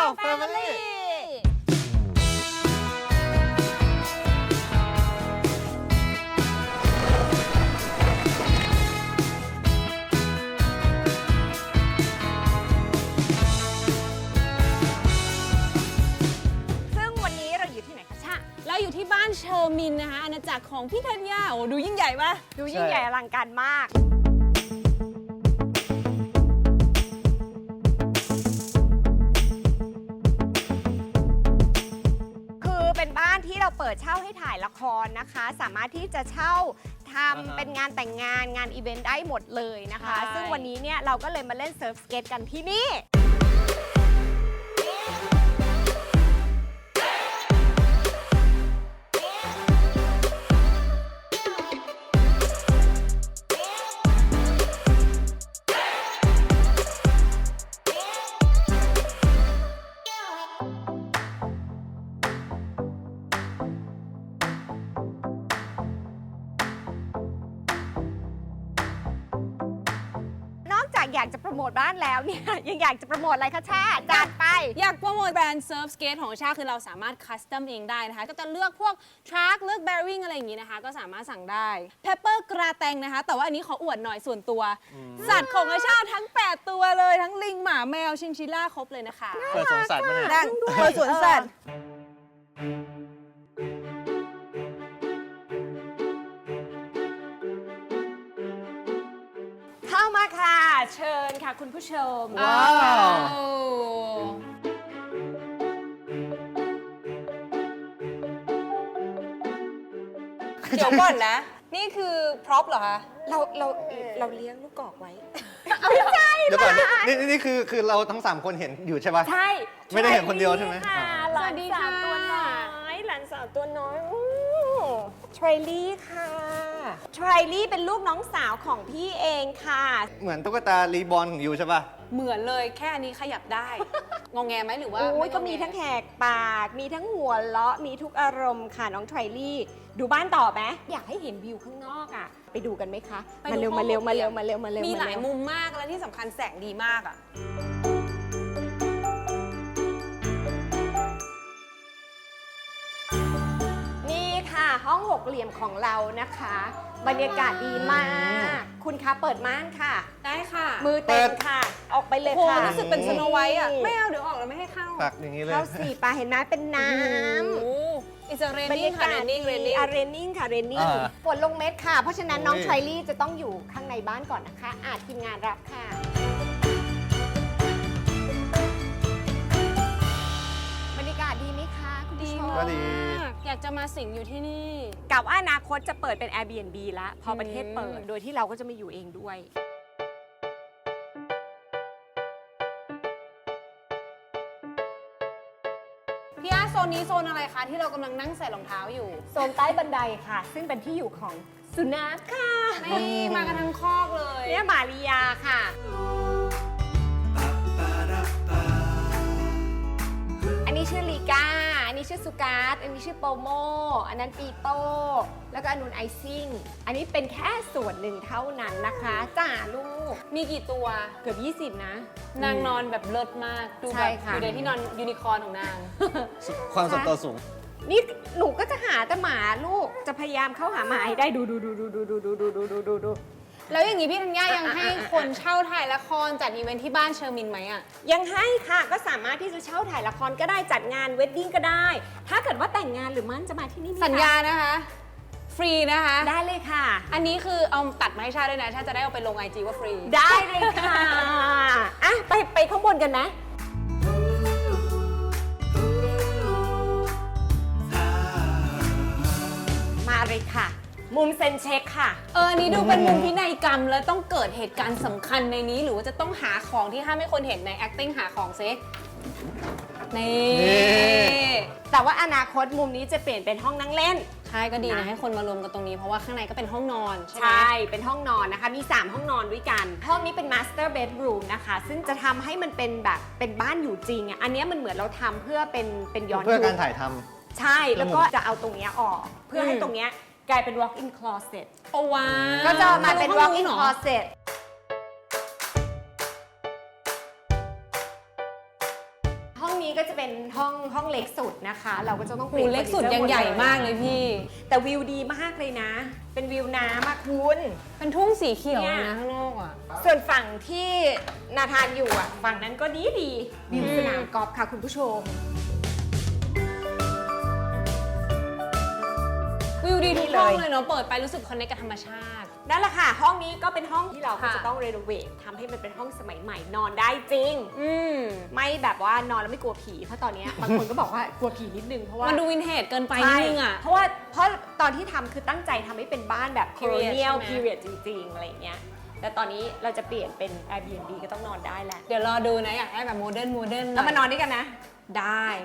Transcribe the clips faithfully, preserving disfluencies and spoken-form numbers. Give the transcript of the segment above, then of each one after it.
แฟมิลี่เราอยู่ที่บ้านเชอร์มินนะคะอาณาจักรของพี่ธัญญาโอ้ดูยิ่งใหญ่ปะดูยิ่งใหญ่อลังการมากคือเป็นบ้านที่เราเปิดเช่าให้ถ่ายละครนะคะสามารถที่จะเช่าทำเป็นงานแต่งงานงานอีเวนต์ได้หมดเลยนะคะซึ่งวันนี้เนี่ยเราก็เลยมาเล่นเซิร์ฟสเก็ตกันที่นี่อยากจะโปรโมทบ้านแล้วเนี่ยยังอยากจะโปรโมทอะไรคะชาจัดไปอยากโปรโมทแบรนด์เซิร์ฟสเกตของชาคือเราสามารถคัสตอมเองได้นะคะก็จะเลือกพวกทรัคเลือกแบริ่งอะไรอย่างนี้นะคะก็สามารถสั่งได้เพปเปอร์กระแตงนะคะแต่ว่าอันนี้ขออวดหน่อยส่วนตัวสัตว์ของอาชาทั้งแปดตัวเลยทั้งลิงหมาแมวชินชิล่าครบเลยนะคะเปิดสวนสัตว์มาเนี่ยนั่งเปิดสวนสัตว์เข้ามาค่ะเชิญค่ะคุณผู้ชมว้าวเดี๋ยวก่อนนะนี่คือพร็อพเหรอคะเราเราเราเลี้ยงลูกกอกไว้ไม่ใช่เดี๋ยวก่อนนี่นี่คือคือเราทั้งสามคนเห็นอยู่ใช่ปะใช่ไม่ได้เห็นคนเดียวใช่ไหมค่ะหลานสาวตัวน้อยหลานสาวตัวน้อยทรลี่ค่ะทรลี่เป็นลูกน้องสาวของพี่เองค่ะเหมือนตุ๊กตารีบอลของยูใช่ปะเหมือนเลยแค่อันนี้ขยับได้ งงแงไหมหรือว่าโอ้ยก็มีทั้งแหกปากมีทั้งหัวเราะมีทุกอารมณ์ค่ะน้องทรลี่ดูบ้านต่อไหมอยากให้เห็นวิวข้างนอกอ่ะไปดูกันไหมคะมาเร็วมาเร็วมาเร็วมาเร็วมาเร็วมีหลายมุมมากและที่สำคัญแสงดีมากอ่ะนี่ค่ะห้องหกเหลี่ยมของเรานะคะบรรยากาศดีมากคุณคะเปิดม่านค่ะได้ค่ะมือเต็มค่ะออกไปเลยค่ะรู้สึกเป็นสโนไวท์อ่ะไม่เอาเดี๋ยวออกแล้วไม่ให้เข้าตักอย่างนี้เลยเข้าสี่ปลาเห็นไหมเป็นน้ำอิสเรนนิ่งค่ะเรนนิ่งเรนนิ่งเรนนิ่งค่ะเรนนิ่งฝนลงเม็ดค่ะเพราะฉะนั้นน้องทรลี่จะต้องอยู่ข้างในบ้านก่อนนะคะอาจทีมงานรับค่ะบรรยากาศดีไหมคะคุณดีก็ดีอยากจะมาสิงอยู่ที่นี่กับว่าอนาคตจะเปิดเป็น Airbnb แล้วพอประเทศเปิดโดยที่เราก็จะมาอยู่เองด้วยพี่อาโซนนี้โซนอะไรคะที่เรากำลังนั่งใส่รองเท้าอยู่โซนใต้บันไดค่ะซึ่งเป็นที่อยู่ของสุนัขค่ะนี่มากันทั้งคอกเลยเนี่ยมาริยาค่ะอันนี้ชื่อลีกาอันนี้ชื่อสุการ์ดอันนี้ชื่อโปโมอันนั้นปีโป้แล้วก็อันนู้นไอซิ่งอันนี้เป็นแค่ส่วนหนึ่งเท่านั้นนะคะจ้าลูกมีกี่ตัวเกือบยี่สิบนะนางนอนแบบเลิศมากดูแบบอยู่ในที่นอนยูนิคอร์นของนางความส่วนตัวสูงนี่หนูก็จะหาแต่หมาลูกจะพยายามเข้าหาหมาให้ได้ดูดูดูดูดูดูดูดูดูดูดูดูแล้วอย่างนี้พี่ธัญญายังให้คนเช่าถ่ายละครจัดอีเวนท์ที่บ้านเชอร์มินไหมอ่ะยังให้ค่ะก็สามารถที่จะเช่าถ่ายละครก็ได้จัดงานเวดดิ้งก็ได้ถ้าเกิดว่าแต่งงานหรือมั่นจะมาที่นี่สัญญานะคะฟรีนะคะได้เลยค่ะอันนี้คือเอาตัดมาให้ชาด้วยนะชาจะได้เอาไปลงไอจีว่าฟรีได้เลยค่ะอ่ะไปไปข้างบนกันนะมาเลยค่ะมุมเซนเช็คค่ะเออนี้ดูเป็นมุมพินัยกรรมแล้วต้องเกิดเหตุการณ์สำคัญในนี้หรือว่าจะต้องหาของที่ห้ามให้คนเห็นใน acting หาของซินี่แต่ว่าอนาคตมุมนี้จะเปลี่ยนเป็นห้องนั่งเล่นใช่ก็ดีนะให้คนมารวมกันตรงนี้เพราะว่าข้างในก็เป็นห้องนอนใช่เป็นห้องนอนนะคะมีสามห้องนอนด้วยกันห้องนี้เป็น master bedroom นะคะซึ่งจะทำให้มันเป็นแบบเป็นบ้านอยู่จริงอ่ะอันนี้มันเหมือนเราทำเพื่อเป็นเป็นย้อนยุคเพื่อการถ่ายทำใช่แล้วก็จะเอาตรงนี้ออกเพื่อให้ตรงนี้กลายเป็น walk-in closet โอ้ว้าก็จะมาเป็น walk-in closet ห้องนี้นี้ก็จะเป็นห้องห้องเล็กสุดนะคะ เราก็จะต้องเปหูลี่ยนเล็กสุดฟอยังร์นิใหญ่เจอร์มากเลยพี่แต่วิวดีมากเลยนะ เป็นวิวน้ำอะคุณเป็นทุ่งสีเขียวเนี่ยนะข้างนอกอ่ะส่วนฝั่งที่นาธานอยู่อ่ะ ฝั่งนั้นก็ดีดีวิวสนามกอล์ฟค่ะคุณผู้ชมวิวดีทุกนี่เลยห้องเลยเนาะ เปิดไปรู้สึกคอนเนคกับธรรมชาตินั่นแหละค่ะ ห้องนี้ก็เป็นห้องที่เราก็ค่ะจะต้องรีโนเวททำให้มันเป็นห้องสมัยใหม่นอนได้จริงอืมไม่แบบว่านอนแล้วไม่กลัวผี เพราะตอนเนี้ยบางคนก็บอกว่ากลัวผีนิดนึงเพราะว่ามันดูวินเทจเกินไปนิดใช่นึงอ่ะเพราะว่าเพราะตอนที่ทำคือตั้งใจทำให้เป็นบ้านแบบ Period colonial ใช่ไหม period จริงๆ อะไรอย่างเงี้ย แต่ตอนนี้เราจะเปลี่ยนเป็น Airbnb ก็ต้องนอนได้แหละเดี๋ยวรอดูนะ อยากได้แบบโมเดิร์นโมเดิร์นแล้วมานอนด้วยกันนะได้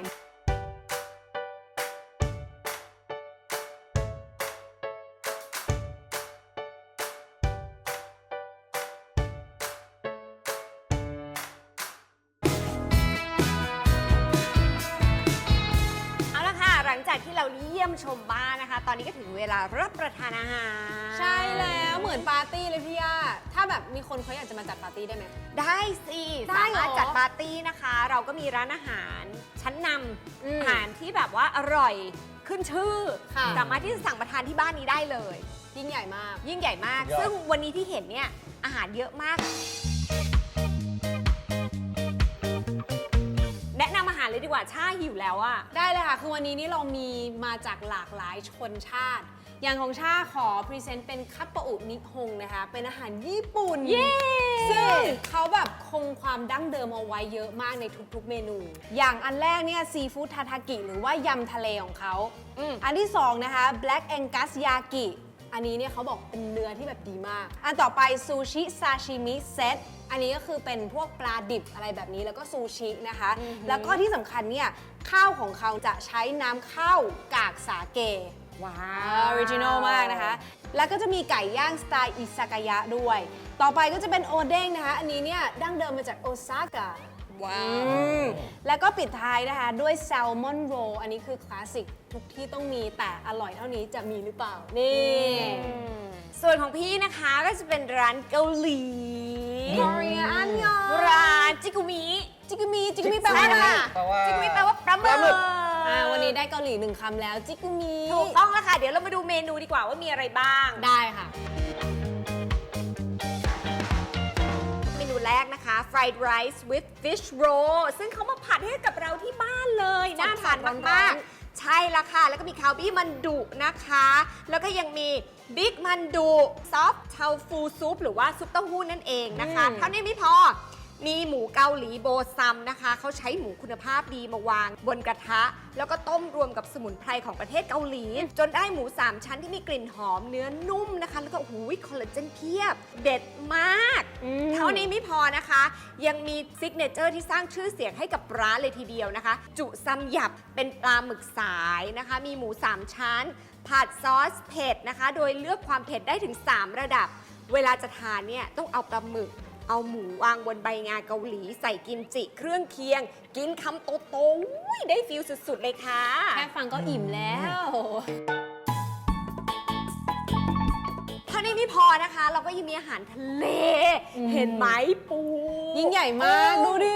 เอาละค่ะ หลังจากที่เราเยี่ยมชมบ้านนะคะ ตอนนี้ก็ถึงเวลารับประทานอาหารใช่แล้วเหมือนปาร์ตี้เลยพี่ย่าถ้าแบบมีคนเขาอยากจะมาจัดปาร์ตี้ได้ไหมได้สิได้สาเหรอมารถจัดปาร์ตี้นะคะ เราก็มีร้านอาหารชั้นนอืมำอาหารที่แบบว่าอร่อยขึ้นชื่อค่ะสามารถที่จะสั่งมาทานที่บ้านนี้ได้เลยยิ่งใหญ่มากยิ่งใหญ่มากยอดซึ่งวันนี้ที่เห็นเนี่ยอาหารเยอะมาก แนะนำอาหารเลยดีกว่าชาหิวแล้วอะได้เลยค่ะ คือวันนี้นี่เรามีมาจากหลากหลายชนชาติ อย่างของชาขอพรีเซนต์เป็นคัตปะอุนิฮงนะคะ เป็นอาหารญี่ปุ่นเย้ซึ่งเขาแบบคงความดั้งเดิมเอาไว้เยอะมากในทุกๆเมนู อย่างอันแรกเนี่ยซีฟู้ดทาทากิหรือว่ายำทะเลของเขาอืมอันที่สองนะคะ Black Angus Yaki อันนี้เนี่ยเขาบอกเป็นเนื้อที่แบบดีมาก อันต่อไปซูชิซาชิมิเซต อันนี้ก็คือเป็นพวกปลาดิบอะไรแบบนี้แล้วก็ซูชินะคะ แล้วก็ที่สำคัญเนี่ยข้าวของเขาจะใช้น้ำข้าวกากสาเกว้าออริจินอลมากนะคะ แล้วก็จะมีไก่ย่างสไตล์อิซากายะด้วย ต่อไปก็จะเป็นโอเด้งนะคะ อันนี้เนี่ยดั้งเดิมมาจากโอซาก้าว้าอืวมแล้วก็ปิดท้ายนะคะด้วยแซลมอนโรลอันนี้คือคลาสสิกทุกที่ต้องมีแต่อร่อยเท่านี้จะมีหรือเปล่า นี่ส่วนของพี่นะคะก็จะเป็นร้านเกาหลี Korea อันยองร้านจิกุมิจิกกุมีจิกกุมีแปลว่าอะไรค่ะแปลว่าจิกุมิแปลว่าปลาหปลาหมึมึกกอ่าวันนี้ได้เกาหลีหนึ่งคำแล้วจิกกุมีถูกต้องแล้วค่ะ เดี๋ยวเรามาดูเมนูดีกว่าว่ามีอะไรบ้างได้ค่ะเมนูแรกนะคะ fried rice with fish roll ซึ่งเขามาผัดให้กับเราที่บ้านเลย น่าทานร้อนๆมากๆ ใช่ละค่ะ แล้วก็มีคาวบี้มันดุนะคะ แล้วก็ยังมีบิ๊กมันดุซอฟเทาฟูซุปหรือว่าซุปเต้าหู้นั่นเองนะคะ เท่านี้ไม่พอ มีหมูเกาหลีโบซัมนะคะ เขาใช้หมูคุณภาพดีมาวางบนกระทะ แล้วก็ต้มรวมกับสมุนไพรของประเทศเกาหลี จนได้หมู สาม ชั้นที่มีกลิ่นหอมเนื้อนุ่มนะคะ แล้วก็โอ้โหคอลลาเจนเพียบ เด็ดมากอืมเท่านี้ไม่พอนะคะ ยังมีซิกเนเจอร์ที่สร้างชื่อเสียงให้กับร้านเลยทีเดียวนะคะ จุซัมหยับเป็นปลาหมึกสายนะคะ มีหมู สาม ชั้น ผัดซอสเผ็ดนะคะ โดยเลือกความเผ็ดได้ถึง สาม ระดับ เวลาจะทานเนี่ยต้องเอาปลาหมึก เอาหมูวางบนใบงาเกาหลี ใส่กิมจิเครื่องเคียง กินคำโตๆอุ๊ยได้ฟิลสุดๆเลยค่ะแค่ฟังก็อิ่มแล้วเท่านี้ไม่พอนะคะ เราก็ยังมีอาหารทะเล เห็นไหมปูยิ่งใหญ่มาก ดูดิ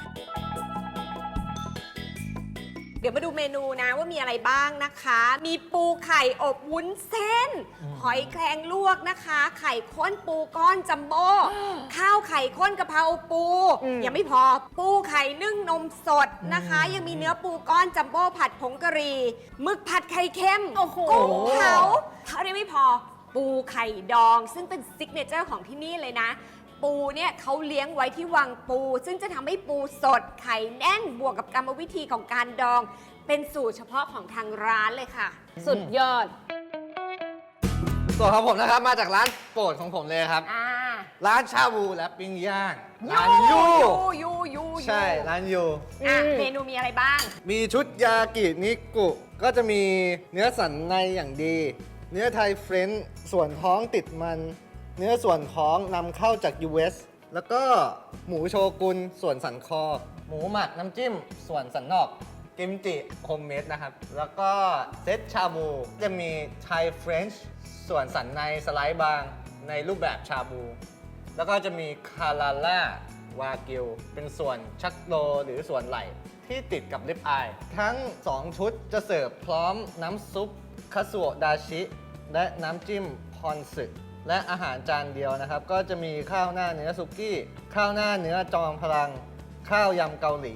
เดี๋ยวมาดูเมนูนะว่ามีอะไรบ้างนะคะ มีปูไข่อบวุ้นเส้น หอยแครงลวกนะคะ ไข่ข้นปูก้อนจัมโบ้ ข้าวไข่ข้นกะเพราปูอืมยังไม่พอ ปูไข่นึ่งนมสดนะคะ ยังมีเนื้อปูก้อนจัมโบ้ผัดผงกะหรี่หมึกผัดไข่เค็มโอ้โหกุ้งเผาเท่านี้ไม่พอ ปูไข่ดอง ซึ่งเป็นซิกเนเจอร์ของที่นี่เลยนะ ปูเนี่ยเขาเลี้ยงไว้ที่วังปู ซึ่งจะทำให้ปูสดไข่แน่นบวกกับกรรมวิธีของการดอง เป็นสูตรเฉพาะของทางร้านเลยค่ะสุดยอดส่วนของผมนะครับมาจากร้านโปรดของผมเลยครับอ่าร้านชาบูและปิ้งย่างร้านยูยูยูยูใช่ร้านยูอ่ะอืมเมนูมีอะไรบ้างมีชุดยากินิกุก็จะมีเนื้อสันในอย่างดี เนื้อไทยเฟรนช์ส่วนท้องติดมัน เนื้อส่วนท้องนำเข้าจาก ยู เอส แล้วก็หมูโชกุนส่วนสันคอ หมูหมักน้ำจิ้ม ส่วนสันนอก กิมจิโฮมเมดนะครับ แล้วก็เซตชาบู จะมีไทยเฟรนช์ส่วนสันในสไลด์บางในรูปแบบชาบู แล้วก็จะมีคาราล่าวากิว เป็นส่วนชักโลหรือส่วนไหล่ที่ติดกับลิปอาย ทั้ง สอง ชุดจะเสิร์ฟพร้อมน้ำซุปคาสุโอะดาชิ และน้ำจิ้มพอนสึและอาหารจานเดียวนะครับ ก็จะมีข้าวหน้าเนื้อสุกี้ ข้าวหน้าเนื้อจอมพลัง ข้าวยำเกาหลี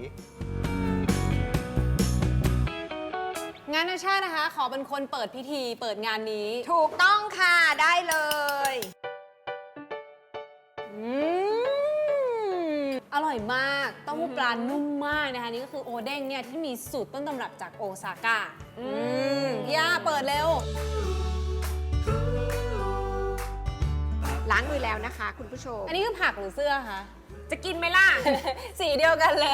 งานนาชาตินะคะ ขอเป็นคนเปิดพิธีเปิดงานนี้ถูกต้องค่ะได้เลยอืมอร่อยมากเต้าหู้ปลานุ่มมากนะคะ นี่ก็คือโอเด้งเนี่ยที่มีสูตรต้นตำรับจากโอซาก้า อืมพี่ย่าเปิดเร็วล้างมือแล้วนะคะ คุณผู้ชมอันนี้คือผักหรือเสื้อคะจะกินไหมล่ะสีเดียวกันเลย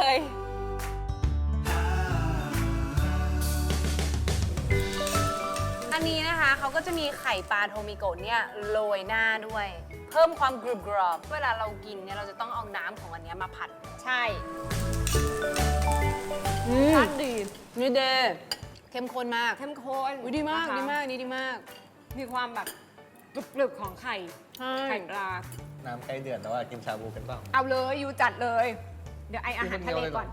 อันนี้นะคะเขาก็จะมีไข่ปลาโทมิโกะเนี่ยโรยหน้าด้วย เพิ่มความกรุบกรอบเวลาเรากินเนี่ยเราจะต้องเอาน้ำของอันเนี้ยมาผัดใช่รสดีนี่เดเข้มข้นมากเข้มข้นอุ๊ยดีมากนะคะดีมากนี่ดีมากมีความแบบกรึบๆของไข่ใช่ไข่ปลาน้ำใกล้เดือดแล้วอะกินชาบูกันเปล่าเอาเลยยูจัดเลย เดี๋ยวไออาหารทะเลก่อน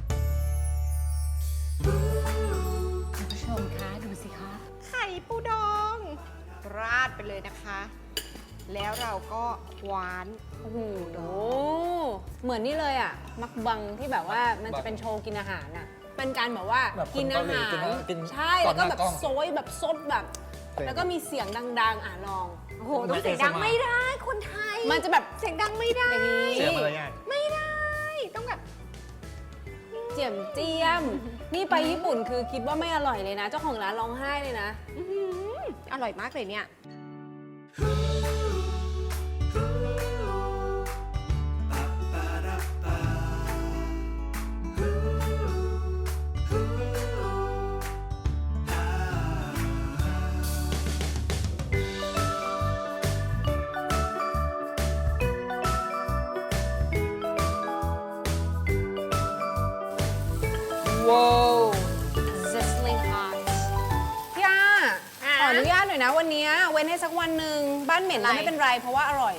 คุณผู้ชมคะดูสิคะ ไข่ปูดอง ราดไปเลยนะคะ แล้วเราก็คว้านโอ้โหเหมือนนี่เลยอ่ะ มักบังที่แบบว่ามันจะเป็นโชว์กินอาหารอ่ะ เป็นการแบบว่าแบบคนกินอาหารเกาหลีกินอากินใช่ก่แล้อนวก็หน้าแบบกล้องโซยแบบซดแบบ แล้วก็มีเสียงดัง ๆ อ่ะลองโอ้โห ต้องเสียงดังไม่ได้ คนไทยมันจะแบบเสียงดังไม่ได้อย่างนี้เสียมารยาทไม่ได้ ต้องแบบเจียมเจียม นี่ไปญี่ปุ่นคือคิดว่าไม่อร่อยเลยนะ เจ้าของร้านร้องไห้เลยนะอื้อหืออร่อยมากเลยเนี่ยว้าว sizzling hot พี่อาอ่ะขออนุญาตหน่อยนะวันนี้เว้นให้สักวันหนึ่งบ้านเหม็นก็อะไรไม่เป็นไรเพราะว่าอร่อย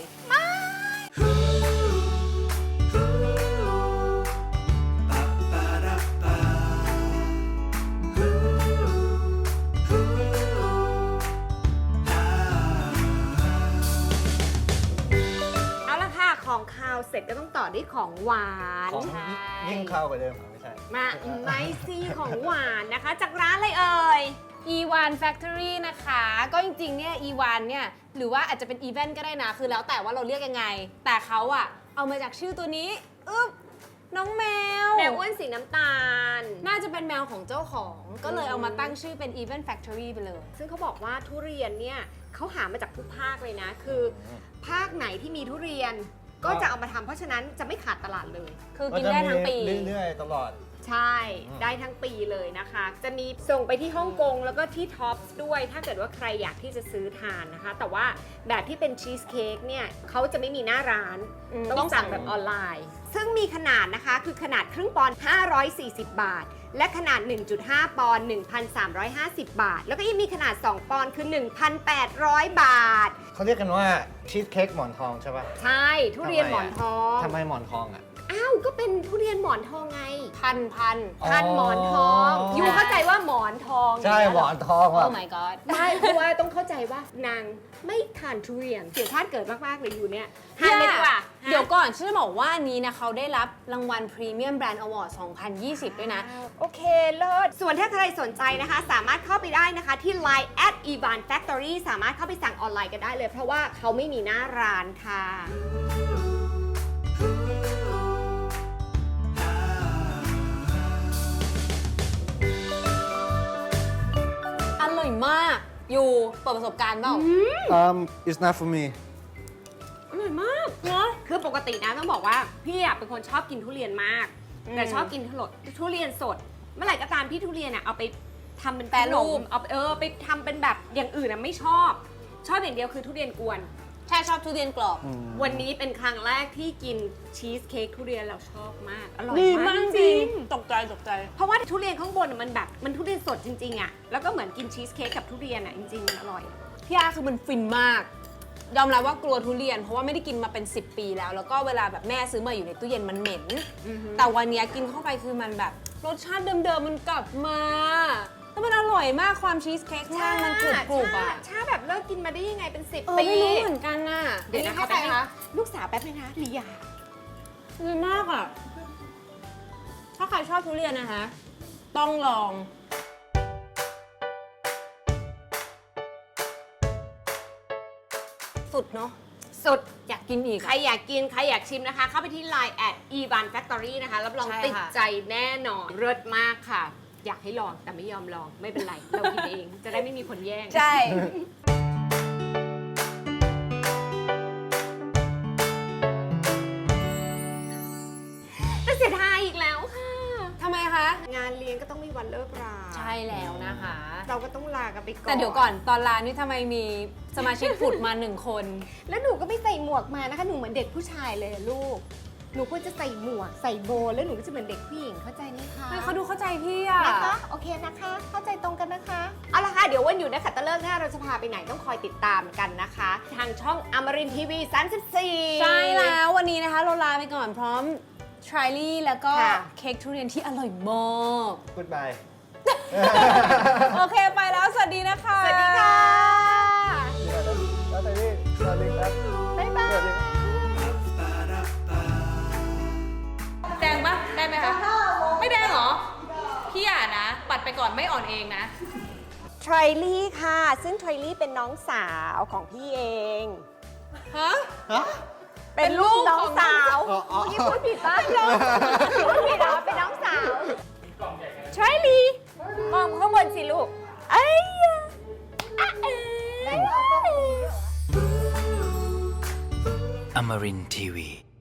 เอาละค่ะ ของคาวเสร็จก็ต้องต่อด้วยของหวานของใช่ยิ่งข้าวกว่าเดิมอ่ะไม่ใช่มาไนซีของหวานนะคะ จากร้านอะไรเอ่ยอีวาน Factory นะคะ ก็จริงๆ เนี่ย อีวาน เนี่ย หรือว่าอาจจะเป็นอีเวนต์ก็ได้นะ คือแล้วแต่ว่าเราเรียกยังไง แต่เขาอะเอามาจากชื่อตัวนี้ อึ๊บ น้องแมวแมวอ้วนสีน้ำตาลน่าจะเป็นแมวของเจ้าของ ก็เลยเอามาตั้งชื่อเป็น Event Factory ไปเลยซึ่งเขาบอกว่าทุเรียนเนี่ยเขาหามาจากทุกภาคเลยนะ คือภาคไหนที่มีทุเรียน ก็จะเอามาทำเพราะฉะนั้นจะไม่ขาดตลาดเลยคือกินได้ทั้งปีเรื่อยๆ ตลอดใช่ ได้ทั้งปีเลยนะคะ จะมีส่งไปที่ฮ่องกงแล้วก็ที่ท็อปส์ด้วย ถ้าเกิดว่าใครอยากที่จะซื้อทานนะคะ แต่ว่าแบบที่เป็นชีสเค้กเนี่ยเขาจะไม่มีหน้าร้านอืมต้องสั่งแบบออนไลน์ ซึ่งมีขนาดนะคะ คือขนาดครึ่งปอนด์ห้าร้อยสี่สิบบาท และขนาด หนึ่งจุดห้า ปอนด์หนึ่งพันสามร้อยห้าสิบ บาท แล้วก็ยังมีขนาด สอง ปอนด์คือ หนึ่งพันแปดร้อย บาทเขาเรียกกันว่าชีสเค้กหมอนทองใช่ป่ะใช่ ทุเรียนหมอนทองทำไมหมอนทองอ่ะอ้าว ก็เป็นทุเรียนหมอนทองไงพันพันอ๋อพันหมอนทอง ยูเข้าใจว่าหมอนทองใช่ย่างหมเงี้ยอเรนทองโอ้อ่ะ my god ไม่เพราะว่าต้องเข้าใจว่านางไม่ทานทุเรียนเสียชาติเกิดมาก ๆ เลยอยู่เนี่ยทานเลยดีกว่าเดี๋ยวก่อนฉันจะบอกว่าอันนี้นะเขาได้รับรางวัล Premium Brand Award สองพันยี่สิบ ด้วยนะโอเค เลิศ ส่วนถ้าใครสนใจนะคะ สามารถเข้าไปได้นะคะที่ ไลน์ แอท อีวาน แฟคทอรี่ สามารถเข้าไปสั่งออนไลน์กันได้เลย เพราะว่าเขาไม่มีหน้าร้านค่ะอร่อยมาก อยู่เปิดประสบการณ์เปล่า um it's not for me อร่อยมากเนาะคือปกตินะต้องบอกว่าพี่อะเป็นคนชอบกินทุเรียนมากอืมแต่ชอบกินทุทุเรียนสด เมื่อไหร่ก็ตามที่ทุเรียนอะเอาไปทำเป็นแปรรูปขนมเอาเออไปทำเป็นแบบอย่างอื่นอะไม่ชอบ ชอบอย่างเดียวคือทุเรียนกวนใช่ชอบทุเรียนกรอบวันนี้เป็นครั้งแรกที่กินชีสเค้กทุเรียนเราชอบมาก อร่อยดีมามาก กจจริริงงตกใจตกใจเพราะว่าทุเรียนข้างบนอะมันแบบมันทุเรียนสดจริงๆอะแล้วก็เหมือนกินชีสเค้กกับทุเรียนอะจริงๆมันอร่อยพี่อาคือมันฟินมากยอมรับว่ากลัวทุเรียนเพราะว่าไม่ได้กินมาเป็น สิบ ปีแล้ว แล้วก็เวลาแบบแม่ซื้อมาอยู่ในตู้เย็นมันเหม็น แต่วันเนี้ยกินเข้าไปคือมันแบบรสชาติเดิมๆมันกลับมาแล้วมันอร่อยมากความชีสเค้กข้างล่างมันกรุบกรุบๆอ่ะชาแบบเลิกกินมาได้ยังไงเป็นสิบเออปีไม่รู้เหมือนกันน่ะเดี๋ยวนะคะให้ใครคะลูกสาวแป๊บนึงนะลียาดีมากอ่ะ ถ้าใครชอบทุเรียนนะคะ ต้องลอง สุดเนาะสุดอยากกินอีกใครอยากกิน ใครอยากชิมนะคะ เข้าไปที่ ไลน์ แอท อี วาน แฟคทอรี่ นะคะ รับรองใช่ค่ะติดใจแน่นอนเลิศมากค่ะ อยากให้ลองแต่ไม่ยอมลองไม่เป็นไร เรากินเอง จะได้ไม่มีคนแย่งใช่แต่เสียดายอีกแล้วค่ะทำไมคะงานเลี้ยงก็ต้องมีวันเลิกราใช่แล้วนะคะเราก็ต้องลากันไปก่อนแต่เดี๋ยวก่อนตอนร้านนี่ทำไมมีสมาชิกผุดมาหนึ่งคนแล้วหนูก็ไม่ใส่หมวกมานะคะ หนูเหมือนเด็กผู้ชายเลยอะลูก หนูควรจะใส่หมวกใส่โบว์แล้วหนูก็จะเหมือนเด็กผู้หญิงเข้าใจไหมคะเฮ้ยเขาดูเข้าใจพี่อ่ะนะคะ โอเคนะคะ เข้าใจตรงกันนะคะ เอาละค่ะ เดี๋ยววันอยู่ในขัตฤกษ์หน้าเราจะพาไปไหนต้องคอยติดตามกันนะคะ ทางช่องอมรินทร์ทีวีสามสิบสี่ใช่แล้ววันนี้นะคะเราลาไปก่อนพร้อมทริลี่แล้วก็ค่ะเค้กทุเรียนที่อร่อยมาก Goodbye โอเคไปแล้วสวัสดีนะคะสวัสดีค่ะแล้วแต่นี่สวัสดีครับบ๊ายบายสวัสดีแดงปะได้ไหมคะ ไม่แดงเหรอ พี่อย่านะ ปัดไปก่อนไม่อ่อนเองนะทรลี่ค่ะ ซึ่งทรลี่เป็นน้องสาวของพี่เองฮะฮะเป็นลูกน้องสาวอ๋ออ๋อเมื่อกี้พูดผิดป่ะพูดผิดเหรอเป็นน้องสาวทรลี่มองข้างบนสิลูกเอ้ยอ่ะเอ้ย Amarin Tiwi.